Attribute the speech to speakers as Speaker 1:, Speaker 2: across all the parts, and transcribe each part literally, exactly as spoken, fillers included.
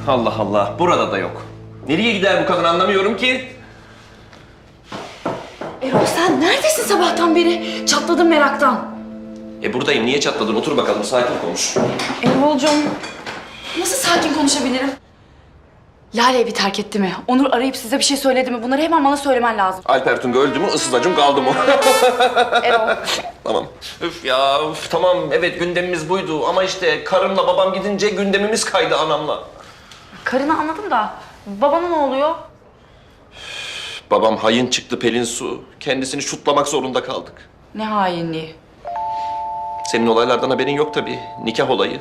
Speaker 1: Allah Allah, burada da yok. Nereye gider bu kadın anlamıyorum ki.
Speaker 2: Erol sen neredesin sabahtan beri? Çatladım meraktan.
Speaker 1: E buradayım, niye çatladın? Otur bakalım, sakin konuş.
Speaker 2: Erol'cum nasıl sakin konuşabilirim? Lale evi terk etti mi? Onur arayıp size bir şey söyledi mi? Bunları hemen bana söylemen lazım.
Speaker 1: Alper Tunga öldü mü, ıssız acım kaldı mı?
Speaker 2: Erol.
Speaker 1: Tamam. Üf ya, üf, tamam evet gündemimiz buydu ama işte karımla babam gidince gündemimiz kaydı anamla.
Speaker 2: Karını anladım da babana ne oluyor?
Speaker 1: Babam hayın çıktı Pelin Su. Kendisini şutlamak zorunda kaldık.
Speaker 2: Ne hainliği.
Speaker 1: Senin olaylardan haberin yok tabii. Nikah olayı.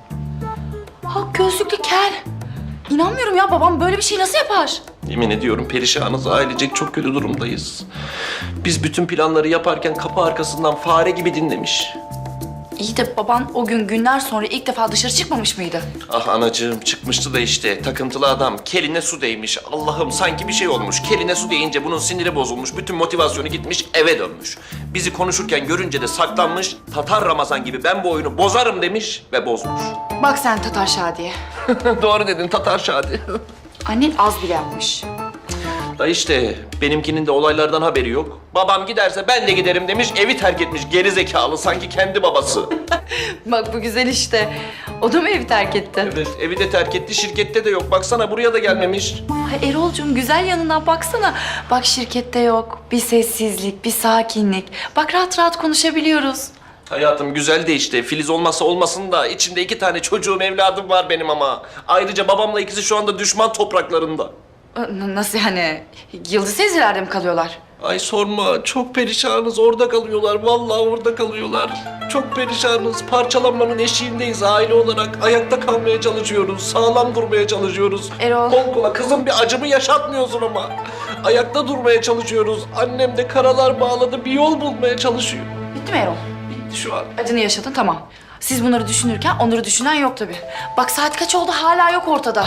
Speaker 2: Ha gözlüklü kel. İnanmıyorum ya babam böyle bir şey nasıl yapar?
Speaker 1: Yemin ediyorum perişanız, ailecek çok kötü durumdayız. Biz bütün planları yaparken kapı arkasından fare gibi dinlemiş.
Speaker 2: İyi de baban o gün günler sonra ilk defa dışarı çıkmamış mıydı?
Speaker 1: Ah anacığım çıkmıştı da işte takıntılı adam keline su değmiş. Allah'ım sanki bir şey olmuş. Keline su değince bunun siniri bozulmuş. Bütün motivasyonu gitmiş eve dönmüş. Bizi konuşurken görünce de saklanmış. Tatar Ramazan gibi ben bu oyunu bozarım demiş ve bozmuş.
Speaker 2: Bak sen Tatar Şadiye.
Speaker 1: Doğru dedin Tatar Şadi.
Speaker 2: Annen az bile yapmış.
Speaker 1: Da işte benimkinin de olaylardan haberi yok. Babam giderse ben de giderim demiş, evi terk etmiş geri zekalı sanki kendi babası.
Speaker 2: Bak bu güzel işte. O da mı evi terk etti?
Speaker 1: Evet, evi de terk etti, şirkette de yok. Baksana buraya da gelmemiş.
Speaker 2: Ay Erol'cum güzel yanından baksana. Bak şirkette yok. Bir sessizlik, bir sakinlik. Bak rahat rahat konuşabiliyoruz.
Speaker 1: Hayatım güzel de işte. Filiz olmasa olmasın da içinde iki tane çocuğum, evladım var benim ama. Ayrıca babamla ikisi şu anda düşman topraklarında.
Speaker 2: N- Nasıl yani? Yıldız teyzelerde mi kalıyorlar?
Speaker 1: Ay sorma, çok perişanız. Orada kalıyorlar, vallahi orada kalıyorlar. Çok perişanız. Parçalanmanın eşiğindeyiz aile olarak. Ayakta kalmaya çalışıyoruz, sağlam durmaya çalışıyoruz.
Speaker 2: Erol.
Speaker 1: Kol kola kızım bir acımı yaşatmıyorsun ama. Ayakta durmaya çalışıyoruz. Annem de karalar bağladı, bir yol bulmaya çalışıyor.
Speaker 2: Bitti mi Erol?
Speaker 1: Bitti şu an.
Speaker 2: Acını yaşadın tamam. Siz bunları düşünürken onları düşünen yok tabii. Bak saat kaç oldu hala yok ortada.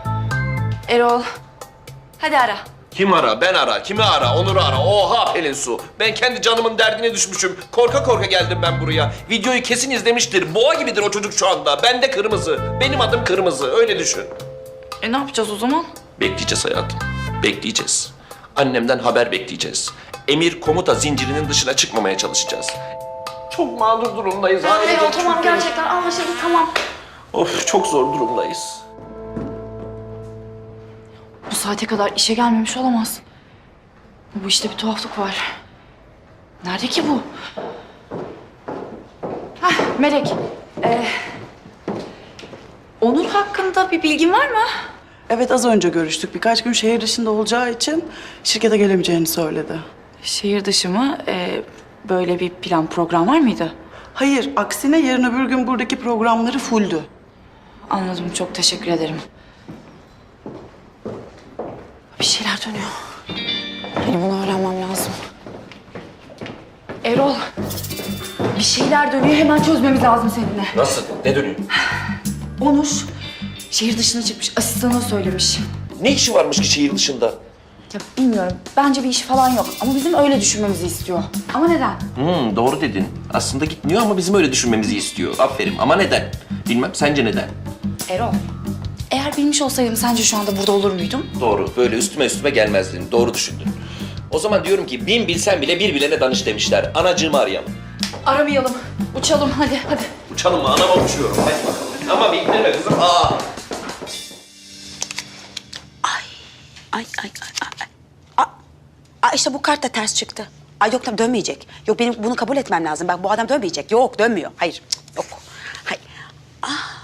Speaker 2: Erol. Hadi ara.
Speaker 1: Kim ara? Ben ara. Kimi ara? Onur'u ara. Oha Pelin Su. Ben kendi canımın derdine düşmüşüm. Korka korka geldim ben buraya. Videoyu kesin izlemiştir. Boğa gibidir o çocuk şu anda. Ben de kırmızı. Benim adım kırmızı. Öyle düşün.
Speaker 2: E ne yapacağız o zaman?
Speaker 1: Bekleyeceğiz hayatım. Bekleyeceğiz. Annemden haber bekleyeceğiz. Emir komuta zincirinin dışına çıkmamaya çalışacağız. Çok mağdur durumdayız. Ailecek
Speaker 2: Erol
Speaker 1: çok
Speaker 2: tamam
Speaker 1: kötü.
Speaker 2: gerçekten anlaşıldı tamam.
Speaker 1: Of çok zor durumdayız.
Speaker 2: Bu saate kadar işe gelmemiş olamaz. Bu işte bir tuhaflık var. Nerede ki bu? Hah Melek. Ee, Onur hakkında bir bilgin var mı?
Speaker 3: Evet az önce görüştük. Birkaç gün şehir dışında olacağı için şirkete gelemeyeceğini söyledi.
Speaker 2: Şehir dışı mı? Ee, böyle bir plan program var mıydı?
Speaker 3: Hayır, aksine yarın öbür gün buradaki programları fulldü.
Speaker 2: Anladım çok teşekkür ederim. Bir şeyler dönüyor. Benim bunu öğrenmem lazım. Erol. Bir şeyler dönüyor hemen çözmemiz lazım seninle.
Speaker 1: Nasıl? Ne dönüyor?
Speaker 2: Onur şehir dışına çıkmış. Asistanına söylemiş.
Speaker 1: Ne işi varmış ki şehir dışında?
Speaker 2: Ya bilmiyorum. Bence bir işi falan yok. Ama bizim öyle düşünmemizi istiyor. Ama neden?
Speaker 1: Hmm, doğru dedin. Aslında gitmiyor ama bizim öyle düşünmemizi istiyor. Aferin. Ama neden? Bilmem. Sence neden?
Speaker 2: Erol. Eğer bilmiş olsaydım sence şu anda burada olur muydum?
Speaker 1: Doğru. Böyle üstüme üstüme gelmezdin. Doğru düşündün. O zaman diyorum ki bin bilsen bile bir bilene danış demişler. Anacığımı arayalım.
Speaker 2: Aramayalım. Uçalım hadi hadi.
Speaker 1: Uçalım mı? Anama uçuyorum. Hadi bakalım. Ama bekleme kızım. Aa.
Speaker 4: Ay, ay, ay, ay. Aa, aa, işte bu kart da ters çıktı. Ay yok tamam dönmeyecek. Yok benim bunu kabul etmem lazım. Bak bu adam dönmeyecek. Yok dönmüyor. Hayır cık, yok. Hayır. Ah.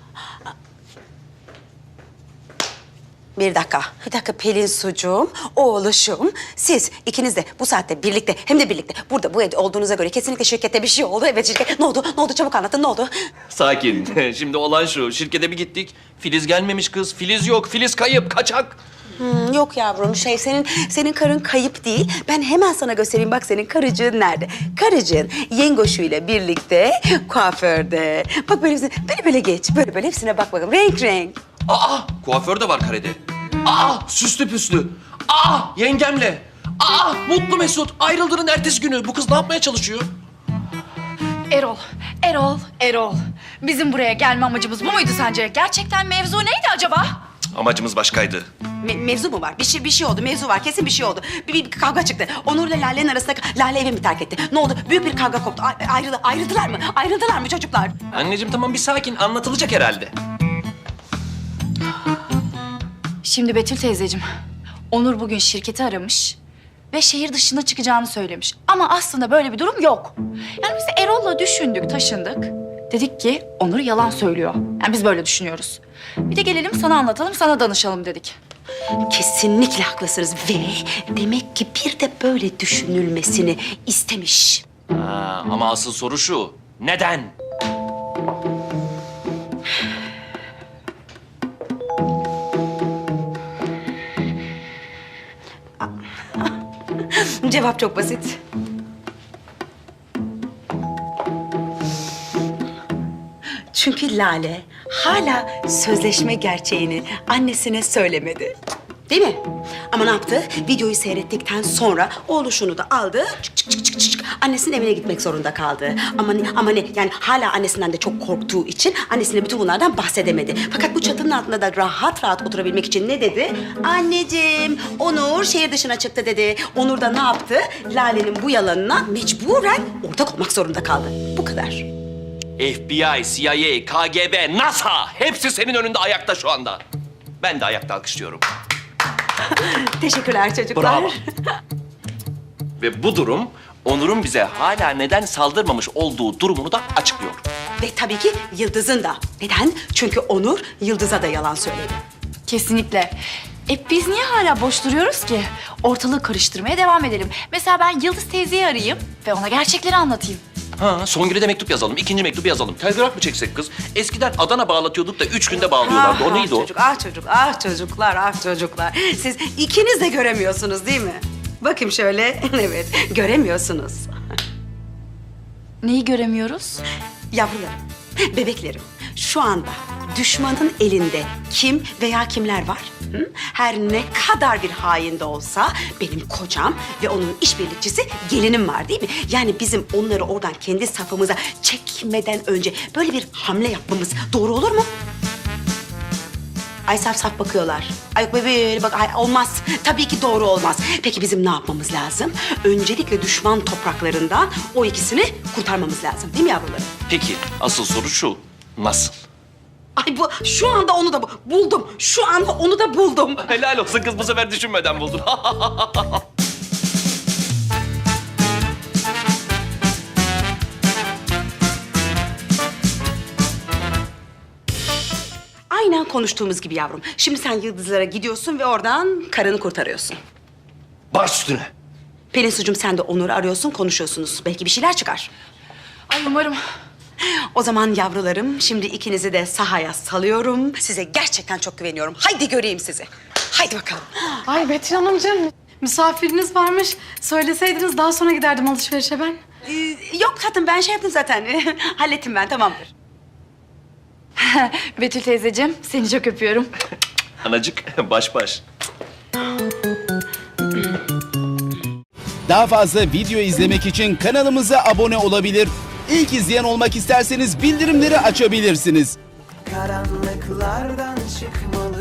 Speaker 4: Bir dakika, bir dakika Pelin Sucuğum, oğluşum. Siz ikiniz de bu saatte birlikte hem de birlikte burada bu evde olduğunuza göre kesinlikle şirkette bir şey oldu. Evet şirket. Ne oldu? Ne oldu? Çabuk anlatın. Ne oldu?
Speaker 1: Sakin. Şimdi olan şu. Şirkete bir gittik. Filiz gelmemiş kız. Filiz yok. Filiz kayıp. Kaçak.
Speaker 4: Hmm, yok yavrum şey senin senin karın kayıp değil. Ben hemen sana göstereyim bak senin karıcığın nerede? Karıcığın yengoşuyla birlikte kuaförde. Bak böyle böyle böyle geç. Böyle böyle hepsine bak bakalım. Renk renk.
Speaker 1: Aa! Kuaför de var karede. Aa! Süslü püslü. Aa! Yengemle. Aa! Mutlu Mesut. Ayrıldığının ertesi günü. Bu kız ne yapmaya çalışıyor?
Speaker 2: Erol, Erol, Erol. Bizim buraya gelme amacımız bu muydu sence? Gerçekten mevzu neydi acaba?
Speaker 1: Amacımız başkaydı.
Speaker 4: Me- mevzu mu var? Bir şey bir şey oldu. Mevzu var. Kesin bir şey oldu. Bir, bir kavga çıktı. Onur'la Lale'nin arasında Lale evi mi terk etti? Ne oldu? Büyük bir kavga koptu. A- ayrıldı, ayrıldılar mı? Ayrıldılar mı çocuklar?
Speaker 1: Anneciğim tamam bir sakin, anlatılacak herhalde.
Speaker 2: Şimdi Betül teyzeciğim, Onur bugün şirketi aramış ve şehir dışına çıkacağını söylemiş. Ama aslında böyle bir durum yok. Yani biz de Erol'la düşündük, taşındık. Dedik ki Onur yalan söylüyor. Yani biz böyle düşünüyoruz. Bir de gelelim sana anlatalım, sana danışalım dedik.
Speaker 4: Kesinlikle haklısınız ve demek ki bir de böyle düşünülmesini istemiş.
Speaker 1: Ha, ama asıl soru şu, neden?
Speaker 4: Cevap çok basit. Çünkü Lale hala sözleşme gerçeğini annesine söylemedi. Değil mi? Ama ne yaptı? Videoyu seyrettikten sonra oğluşunu da aldı. Çık çık çık çık çık. Annesinin evine gitmek zorunda kaldı. Ama ne, ama ne? Yani hala annesinden de çok korktuğu için annesine bütün bunlardan bahsedemedi. Fakat bu çatının altında da rahat rahat oturabilmek için ne dedi? Anneciğim, Onur şehir dışına çıktı dedi. Onur da ne yaptı? Lale'nin bu yalanına mecburen ortak olmak zorunda kaldı. Bu kadar.
Speaker 1: F B I, C I A, K G B, NASA hepsi senin önünde ayakta şu anda. Ben de ayakta alkışlıyorum.
Speaker 4: Teşekkürler çocuklar.
Speaker 1: Bravo. Ve bu durum Onur'un bize hala neden saldırmamış olduğu durumunu da açıklıyor.
Speaker 4: Ve tabii ki Yıldız'ın da. Neden? Çünkü Onur Yıldız'a da yalan söyledi.
Speaker 2: Kesinlikle. E biz niye hala boş duruyoruz ki? Ortalığı karıştırmaya devam edelim. Mesela ben Yıldız teyzeyi arayayım ve ona gerçekleri anlatayım.
Speaker 1: Ha, Songül'e de mektup yazalım, ikinci mektubu yazalım. Telgraf mı çeksek kız? Eskiden Adana bağlatıyorduk da üç günde bağlıyorlardı. O neydi
Speaker 4: ah
Speaker 1: o?
Speaker 4: Çocuk, ah çocuk, ah çocuklar, ah çocuklar. Siz ikiniz de göremiyorsunuz değil mi? Bakayım şöyle, evet, göremiyorsunuz.
Speaker 2: Neyi göremiyoruz?
Speaker 4: Yavrularım, bebeklerim, şu anda düşmanın elinde kim veya kimler var? Hı? Her ne kadar bir hain de olsa benim kocam ve onun işbirlikçisi gelinim var değil mi? Yani bizim onları oradan kendi safımıza çekmeden önce böyle bir hamle yapmamız doğru olur mu? Ay saf saf bakıyorlar. Ay yok böyle bak ay, olmaz. Tabii ki doğru olmaz. Peki bizim ne yapmamız lazım? Öncelikle düşman topraklarından o ikisini kurtarmamız lazım değil mi yavrularım?
Speaker 1: Peki, asıl soru şu. Nasıl?
Speaker 4: Ay bu şu anda onu da bu- buldum. Şu anda onu da buldum.
Speaker 1: Helal olsun kız, bu sefer düşünmeden buldun.
Speaker 4: Aynen konuştuğumuz gibi yavrum. Şimdi sen Yıldızlara gidiyorsun ve oradan karını kurtarıyorsun.
Speaker 1: Baş üstüne.
Speaker 4: Pelin Sucuğum sen de Onur'u arıyorsun, konuşuyorsunuz. Belki bir şeyler çıkar.
Speaker 2: Ay umarım.
Speaker 4: O zaman yavrularım, şimdi ikinizi de sahaya salıyorum. Size gerçekten çok güveniyorum. Haydi göreyim sizi. Haydi bakalım.
Speaker 5: Ay Betül Hanımcığım, misafiriniz varmış. Söyleseydiniz daha sonra giderdim alışverişe ben.
Speaker 4: Ee, yok tatlım, ben şey yaptım zaten. Hallettim ben, tamamdır.
Speaker 2: Betül teyzeciğim, seni çok öpüyorum.
Speaker 1: Anacık, baş baş.
Speaker 6: Daha fazla video izlemek için kanalımıza abone olabilir. İlk izleyen olmak isterseniz bildirimleri açabilirsiniz.
Speaker 7: Karanlıklardan çıkmalı